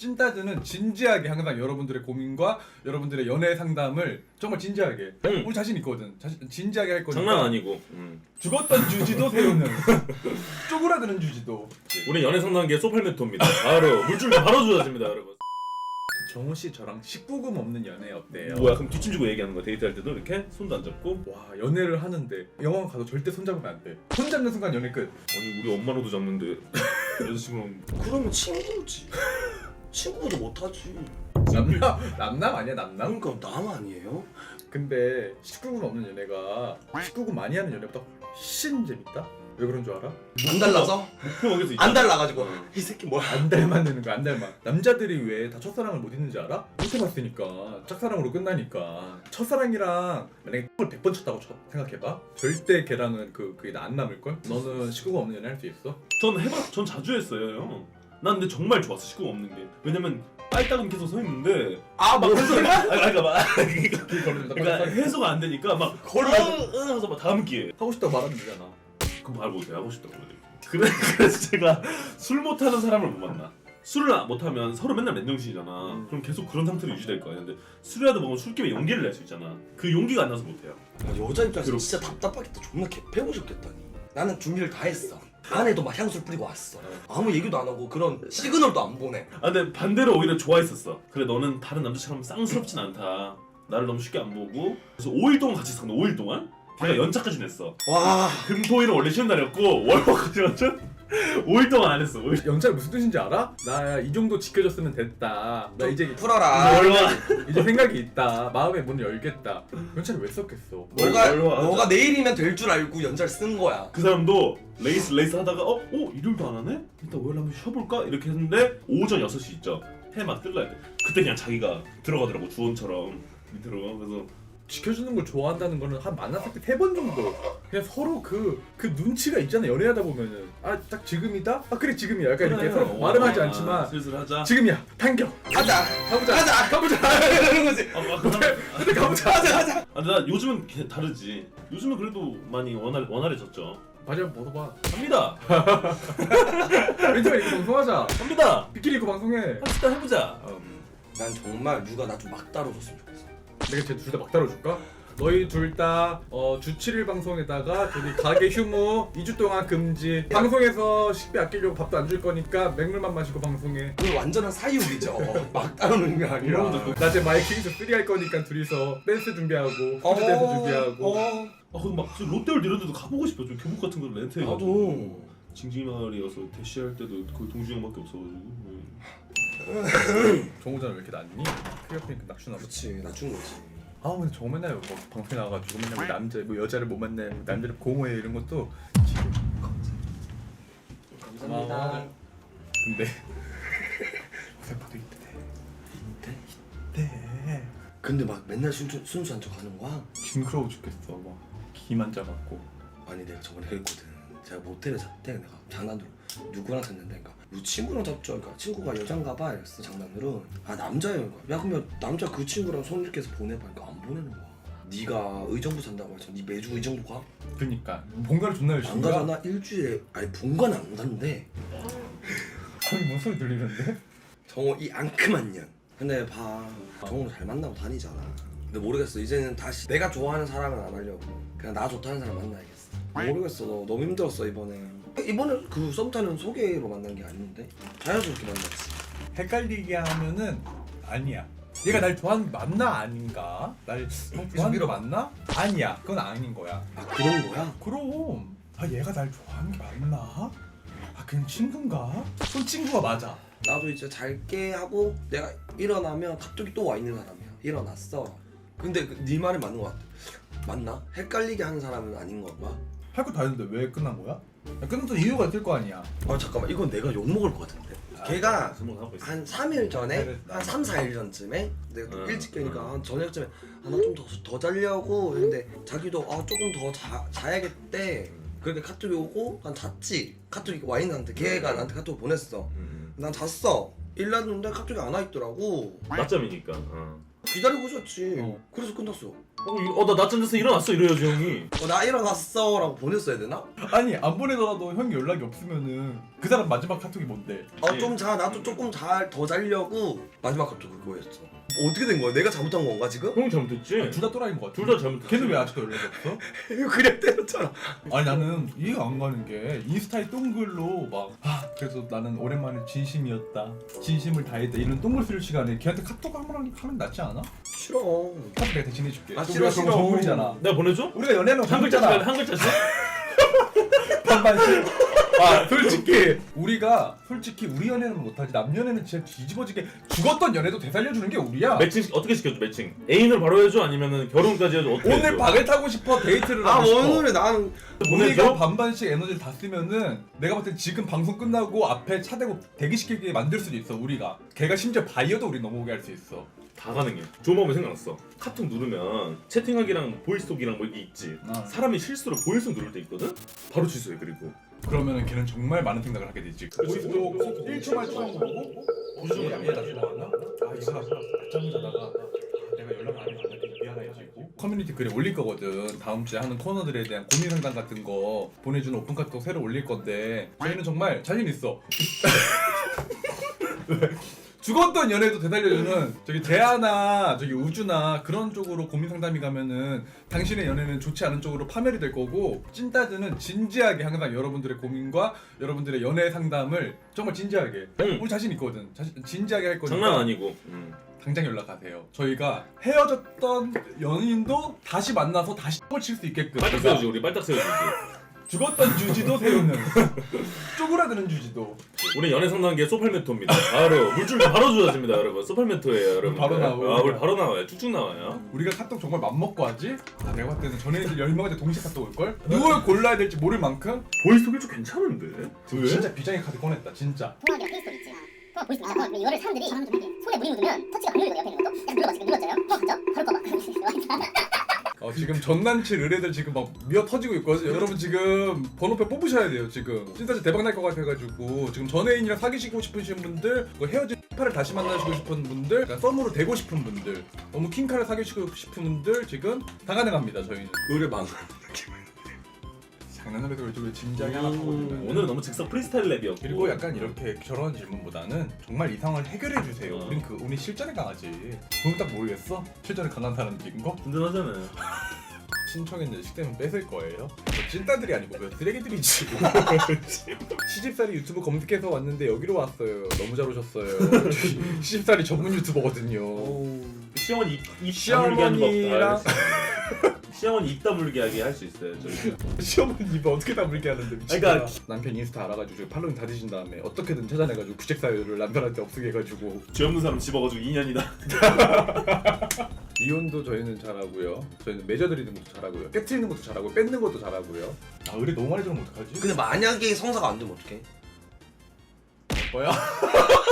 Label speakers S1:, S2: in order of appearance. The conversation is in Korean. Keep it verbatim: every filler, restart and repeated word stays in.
S1: 찐따드는 진지하게 항상 여러분들의 고민과 여러분들의 연애 상담을 정말 진지하게
S2: 응.
S1: 우리 자신 있거든. 자신 진지하게 할 거니까.
S2: 장난 아니고. 음.
S1: 죽었던 주지도 배우는 쪼그라드는 주지도.
S2: 우리 연애 상담계 소팔메토입니다. 바로 물줄 바로 주어집니다, 여러분.
S1: 정우 씨 저랑 십구 금 없는 연애 어때요?
S2: 뭐야, 그럼 뒷짐지고 얘기하는 거야? 데이트할 때도 이렇게 손도 안 잡고?
S1: 와 연애를 하는데 영화관 가서 절대 손잡으면 안 돼. 손 잡는 순간 연애 끝.
S2: 아니 우리 엄마로도 잡는데 여자친구는
S3: 그러면 친구지. 친구도 못하지.
S1: 남남 남남 아니야 남남?
S3: 그러니까 남 아니에요?
S1: 근데 십구 금 없는 연애가 십구 금 많이 하는 연애보다 훨씬 재밌다. 왜 그런 줄 알아?
S3: 안 달라서?
S2: 목표먹에서 있잖아.
S3: 안 달라가지고 이 새끼 뭐야?
S1: 안 닮아내는 거야 안 닮아. 남자들이 왜 다 첫사랑을 못 잊는지 알아? 못 해봤으니까 짝사랑으로 끝나니까. 첫사랑이랑 만약에 을 백 번 쳤다고 쳐, 생각해봐. 절대 걔랑은 그, 그게 안 남을걸? 너는 십구 금 없는 연애 할 수 있어?
S2: 전 해봐, 전 자주 했어요, 형. 난 근데 정말 좋았어, 식구가 없는 게. 왜냐면 빨딱은 계속 서 있는데
S3: 아
S2: 막
S3: 뭐?
S2: 해석, 아, 그러니까 막
S1: 길 걸어준다.
S2: 그러니까 해소가 안 되니까 막 걸어서 막 다음 기회.
S1: 하고 싶다고 말하면 되잖아.
S2: 그럼 말 못해, 하고 싶다고 그래. 그래 그래서 제가 술 못하는 사람을 못 만나. 술을 못하면 서로 맨날 맨정신이잖아.
S1: 음.
S2: 그럼 계속 그런 상태로 유지될 거야. 근데 술이라도 먹으면 술김에 용기를 낼 수 있잖아. 그 용기가 안 나서 못해요.
S3: 여자 입장에서
S2: 그럼.
S3: 진짜 답답하겠다. 존나 개패고 싶겠다니. 나는 준비를 다 했어. 안에도 막 향수를 뿌리고 왔어. 아무 얘기도 안 하고 그런 시그널도 안 보내.
S2: 아 근데 반대로 오히려 좋아했었어. 그래 너는 다른 남자처럼 쌍스럽진 않다. 나를 너무 쉽게 안 보고. 그래서 오 일 동안 같이 있었는데 오 일 동안? 걔가 연차까지 냈어.
S3: 와.
S2: 금토일은 원래 쉬는 날이었고 월화까지 완전 오 일 동안 안 했어. 오 일.
S1: 연차가 무슨 뜻인지 알아? 나 이 정도 지켜줬으면 됐다. 나 이제
S3: 풀어라.
S2: 월화.
S1: 이제 생각이 있다. 마음의 문을 열겠다. 연차를 왜 썼겠어?
S3: 너가
S2: 얼마 하자.
S3: 너가 내일이면 될 줄 알고 연차를 쓴 거야.
S2: 그 사람도 레이스 레이스 하다가 어? 어? 일요일도 안 하네? 일단 오일 한번 쉬어볼까? 이렇게 했는데 오전 여섯 시 있죠? 해 막 뜰라 때 그때 그냥 자기가 들어가더라고 주원처럼 밑으로. 그래서
S1: 지켜주는 걸 좋아한다는 거는 한 만났을 때 세 번 정도 그냥 서로 그, 그 눈치가 있잖아. 연애하다 보면은 아 딱 지금이다? 아 그래 지금이야. 약간 이렇게
S2: 그래요.
S1: 서로 말은 하지
S2: 아,
S1: 않지만
S2: 슬슬 하자.
S1: 지금이야. 당겨.
S3: 가자.
S1: 가보자.
S3: 가자.
S1: 가보자.
S3: 이러는 거지.
S2: 아, 막 그다음에
S1: 근데 가보자.
S3: 가자 가자.
S2: 아, 근데 나 요즘은 걔 다르지. 요즘은 그래도 많이 원활 원활해졌죠.
S1: 바지 한번 벗어봐.
S2: 합니다.
S1: 왼쪽에 이렇게 방송하자.
S2: 합니다.
S1: 비키니 입고 방송해.
S2: 합시다 해보자.
S1: 음,
S3: 난 정말 누가 나 좀 막 다뤄줬으면 좋겠어.
S1: 내가 쟤 둘 다 막 다뤄줄까? 너희 둘 다 어, 주 칠 일 방송에다가 저기 가게 휴무 이 주 동안 금지. 방송에서 식비 아끼려고 밥도 안 줄 거니까 맹물만 마시고 방송해.
S3: 그건 완전한 사유이죠. 막 다루는 게 아니라.
S1: 낮에 마이킹에서 쓰리 할 거니까 둘이서 댄스 준비하고 푸드 댄스 준비하고.
S3: 어,
S2: 아 그럼 막 롯데월드 이런 데도 가보고 싶어. 좀 교복 같은 거 렌트해가지고.
S3: 나도.
S2: 징징이 마을이어서 대시할 때도 거의 동주 형밖에 없어가지고.
S1: 정우자는 왜 이렇게 낮니? 크리어핑 낙슈나
S3: 그렇지 낮춘 거지.
S1: 아 근데 정우 맨날 뭐 방송에 나와가지고 맨날 뭐 남자 뭐 여자를 못 만나 뭐 남자를 공허해 이런 것도 지금
S3: 감사합니다.
S1: 고마워. 근데 고생파도 이때 이때 이때
S3: 근데 막 맨날 순수, 순수한 척 하는 거야?
S1: 징그러워 죽겠어. 막 기만 잡았고.
S3: 아니 내가 저번에 그랬거든. 제가 모텔에 잤대. 내가 장난으로 누구랑 잤는데 그러니까 너 친구랑 잤죠? 그러니까 친구가 여잔가 봐 이랬어 장난으로. 아 남자예요. 그러니까. 야 그러면 남자 그 친구랑 손 이렇게 해서 보내봐. 그러니까 안 보내는 거야. 네가 의정부 산다고 해서 네 매주 의정부 가?
S1: 그니까 본가를 존나 열심히
S3: 안
S1: 가?
S3: 가잖아. 일주일에 아니 본가는 안 간대.
S1: 거기 뭔 소리 들리는데?
S3: 정호 이 앙큼한 년. 근데 봐 정호 잘 만나고 다니잖아. 근데 모르겠어. 이제는 다시 내가 좋아하는 사람은 안 하려고 그냥 나 좋다는 사람 만나야겠어. 모르겠어. 너 너무 힘들었어 이번에. 이번에 그 썸 타는 소개로 만난 게 아닌데 자연스럽게 만났지.
S1: 헷갈리게 하면은 아니야. 얘가 날 좋아하는 게 맞나 아닌가? 날 어, 좋아하는 게 맞나? 아니야. 그건 아닌 거야.
S3: 아 그런 거야?
S1: 그럼 아 얘가 날 좋아하는 게 맞나? 아 그냥 친구인가? 그럼 친구가 맞아.
S3: 나도 이제 잘게 하고 내가 일어나면 카톡이 또 와 있는 사람이야. 일어났어. 근데 그, 네 말이 맞는 거 같아. 맞나? 헷갈리게 하는 사람은 아닌 건가?
S1: 할 거 다 했는데 왜 끝난 거야? 야, 끝났던 이유가 있을 거 아니야.
S3: 아 잠깐만 이건 내가 욕먹을 것 같은데. 걔가
S2: 스몰하고 있어.
S3: 한 삼 일 전에
S1: 그래.
S3: 한 삼, 사 일 전쯤에 내가 또
S2: 응,
S3: 일찍 깨니까
S2: 응.
S3: 한 저녁쯤에 아 나 좀 더 더 자려고 했는데 자기도 아 조금 더 자, 자야겠대. 그렇게 카톡이 오고 난 잤지. 카톡이 와 있는 한테 걔가 나한테 카톡 보냈어.
S2: 음.
S3: 난 잤어. 일났는데 카톡이 안 와 있더라고.
S2: 낮잠이니까. 어.
S3: 기다리고 있었지.
S1: 어.
S3: 그래서 끝났어.
S2: 어나 낮잠 자서 일어났어 이래야지 형이.
S3: 어, 나 일어났어 라고 보냈어야 되나?
S1: 아니 안 보내더라도 형이 연락이 없으면은 그 사람 마지막 카톡이 뭔데?
S3: 어 좀 자 나도 조금 잘 더 자려고 마지막 카톡 그거였어. 어떻게 된 거야? 내가 잘못한 건가 지금?
S2: 형이 잘못했지.
S1: 둘 다 또라이인 것 같아.
S2: 둘 다 잘못했지.
S1: 걔는 왜 아직도 연락이 없어?
S3: 이거 그냥 때렸잖아.
S1: 아니 나는 이해가 안 가는 게 인스타에 똥글로 막 아, 그래서 나는 오랜만에 진심이었다, 진심을 다했다 이런 똥글 쓸 시간에 걔한테 카톡 한번 하면 낫지 않아?
S3: 싫어.
S1: 카톡 내가 대신 해줄게.
S3: 아,
S1: 또
S3: 싫어,
S1: 우리가 그런 거
S3: 싫어.
S1: 선물이잖아.
S2: 내가 보내줘?
S1: 우리가 연애하는 거
S2: 한 글자씩
S1: 선물이잖아.
S2: 한 글자씩?
S1: 반반씩. 아 솔직히 우리가 솔직히 우리 연애는 못하지 남 연애는 진짜 뒤집어지게 죽었던 연애도 되살려주는 게 우리야.
S2: 매칭 어떻게 시켜줘 매칭? 애인을 바로 해줘 아니면은 결혼까지 해줘? 어떻게
S1: 오늘
S2: 해줘?
S1: 박을 타고 싶어 데이트를
S3: 아
S1: 하고 싶어.
S3: 오늘은 나는
S1: 우리가
S2: 보내줘?
S1: 반반씩 에너지를 다 쓰면은 내가 봤을 때 지금 방송 끝나고 앞에 차 대고 대기시키게 만들 수도 있어 우리가. 걔가 심지어 바이어도 우리 넘어오게 할 수 있어.
S2: 다 가능해. 좋은 방법이 생각났어. 카톡 누르면 채팅하기랑 보이스톡이랑 뭐 이게 있지.
S1: 아.
S2: 사람이 실수로 보이스톡 누를 때 있거든? 바로 취소해. 그리고
S1: 그러면은 걔는 정말 많은 생각을 하게 되지.
S2: 그렇지.
S1: 보이스도 일 초만 처음 보고 무슨 얘가 다시 나왔나? 아 이거 낮잠을 자다가 아, 내가 연락을 안 해서 미안해지고 커뮤니티 글에 올릴 거거든. 다음 주에 하는 코너들에 대한 고민 상담 같은 거 보내주는 오픈 카톡 새로 올릴 건데 저희는 정말 자신 있어. 죽었던 연애도 되살려주는 저기 대하나 저기 우주나 그런 쪽으로 고민 상담이 가면은 당신의 연애는 좋지 않은 쪽으로 파멸이 될 거고 찐따드는 진지하게 항상 여러분들의 고민과 여러분들의 연애 상담을 정말 진지하게
S2: 응.
S1: 우리 자신 있거든. 자신, 진지하게 할 거니까
S2: 장난 아니고. 음.
S1: 당장 연락하세요. 저희가 헤어졌던 연인도 다시 만나서 다시 을 칠 수 있게끔
S2: 빨딱 세워주지 우리 빨딱 세워주지.
S1: 죽었던 주지도 세우는 쪼그라드는 주지도
S2: 우리 연애 상담계 소팔메토입니다. 바로 물줄기 바로 주어집니다 여러분. 소팔메토예요 여러분.
S1: 바로 나오고.
S2: 아 우리 바로 나와요. 쭉쭉 나와요.
S1: 우리가 카톡 정말 맘먹고 하지? 아 내가 봤을 때는 전애들 열 명한테 동시에 카톡 올걸? 누굴 골라야 될지 모를 만큼
S2: 보이스톡 일주 괜찮은데? 왜?
S1: 진짜 비장의 카드 꺼냈다 진짜.
S4: 통화기랑 페이스톡 있지. 통화 보이스 있잖아. 근데 이거를 사람들이 손에 물이 묻으면 터치가 안 눌리거든. 옆에 있는 것도. 약간 눌러봐. 지금 눌렀잖아요. 통화 갔죠? 바로 꺼봐.
S1: 어, 지금 전남친 의뢰들 지금 막 미어 터지고 있거든요. 여러분 지금 번호표 뽑으셔야 돼요 지금. 진짜 대박 날 것 같아가지고 지금 전 애인이랑 사귀시고 싶으신 분들, 그 헤어진 팔을 다시 만나시고 싶은 분들, 그러니까 썸으로 되고 싶은 분들, 너무 킹카를 사귀시고 싶은 분들 지금 다 가능합니다 저희는.
S3: 의뢰방.
S1: 장난을 해도 왜 진지하게 하나 하거든요.
S2: 오늘은 너무 즉석 프리스타일 랩이었고.
S1: 그리고 약간 이렇게 저런 질문보다는 정말 이 상황을 해결해 주세요.
S2: 어.
S1: 우린 그 우리 실전에 강하지. 그럼 딱 모르겠어? 실전에 강한 사람 느낀 거?
S2: 든든하잖아요.
S1: 신청했는데 식대면 뺏을 거예요? 저 찐따들이 아니고 그 쓰레기들이지. 시집살이 유튜브 검색해서 왔는데 여기로 왔어요. 너무 잘 오셨어요. 시집살이 전문 유튜버거든요.
S2: 시어머니 입, 입 다물게 하는 법
S1: 시어머니랑
S2: 다 시어머니 입 다물게 하게 할 수 있어요 저희.
S1: 시어머니 입을 어떻게 다물게 하는데 미친다.
S2: 그러니까
S1: 남편 인스타 알아가지고 지금 팔로잉 다 뒤진 다음에 어떻게든 찾아내가지고 구책 사유를 남편한테 없애게 해가지고
S2: 죄 없는 사람 집어가지고 이 년이다.
S1: 이혼도 저희는 잘하고요. 저희는 맺어드리는 것도 잘하고요. 깨트리는 것도 잘하고 뺏는 것도 잘하고요. 아 의뢰 너무 많이 들으면 어떡하지?
S3: 근데 만약에 성사가 안 되면 어떡해?
S1: 뭐야?